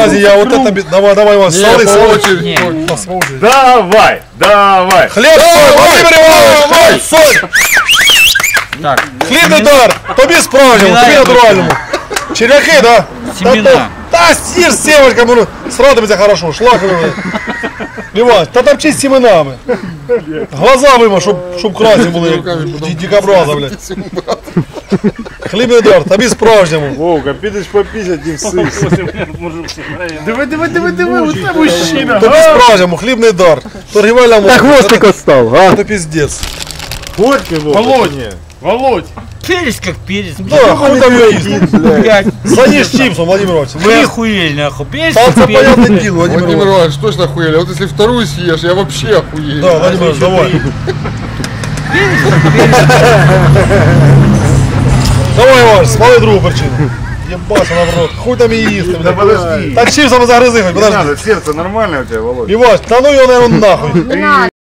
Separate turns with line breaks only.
Подожди, я вот это... Давай, Иван, смотри, смотри.
Давай, давай.
Хлеб, соль, Владимир Иванович, соль.
Так.
Хлібний дар, тобі справжньому, тобі натуральному. Червяки, да?
Семена.
Та съешь с семечками, срадимся хорошо, шлаками. Иван, та там чисть семенами. Глаза вима, щоб красні були, дикобраза, блядь. Хлібний дар, тобі справжньому.
Вовка, підеш попісять і всись. Диви, оце мужчина.
Тобі справжньому, хлібний дар. Торгівельна мова.
Так хвостик остав, а?
Це пиздец.
Горький, Вовка. Володь.
Перец как перец.
Да, хуй там ее есть.
Блядь.
Заешь чипсом, Владимир Иванович.
Вы охуели, нахуй. Перец
Там
как
это
перец.
понятное дело, Владимир
Владимир
Иванович.
Иванович, точно охуели. Вот если вторую съешь, я вообще охуею.
Да, Владимир Иванович, давай. Давай, Иванович, смоли другу причину. Ебаться на в рот. Хуй там и їсти.
Да подожди.
Так чипсом загрызи, хоть,
Не
подожди.
надо, сердце нормальное у тебя, Володь?
Иванович, да ну его, наверное, нахуй.